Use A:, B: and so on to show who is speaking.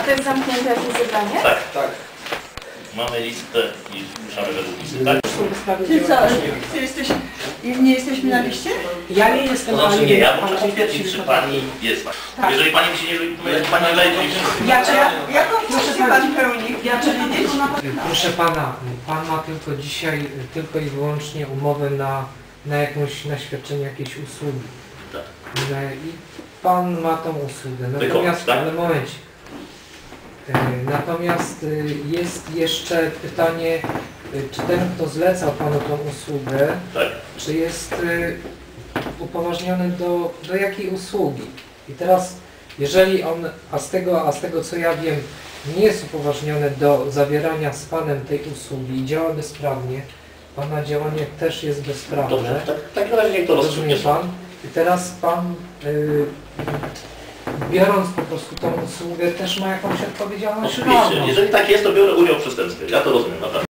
A: to jest zamknięte jakieś zebranie?
B: Tak, tak. Mamy listę i ruszamy według listy, tak?
C: Ty co? Ty jesteś, nie jesteśmy na liście?
D: Ja nie jestem,
B: To znaczy
D: ale
B: nie, ja muszę potwierdzić, czy pani jest.
C: Tak.
B: Jeżeli pani mi się nie pani wejdzie,
C: Jaką funkcję pan pełni? Ja czy wiedzieć?
D: proszę pana, pan ma tylko dzisiaj tylko i wyłącznie umowę na świadczenie jakiejś usługi.
B: Tak.
D: I pan ma tą usługę. Natomiast
B: tak?
D: w momencie. Natomiast jest jeszcze pytanie, czy ten, kto zlecał panu tą usługę,
B: Tak.
D: czy jest upoważniony do jakiej usługi? I teraz, jeżeli on, a z tego co ja wiem, nie jest upoważniony do zawierania z panem tej usługi i działa bezprawnie, pana działanie też jest bezprawne.
B: Dobrze, tak na razie niech to
D: Rozumie
B: rozstrzygnie.
D: pan? I teraz pan, biorąc po prostu tą usługę, też ma jakąś odpowiedzialność
B: Oczywiście,
D: karną.
B: jeżeli tak jest, to biorę udział w przestępstwie. Ja to rozumiem, naprawdę.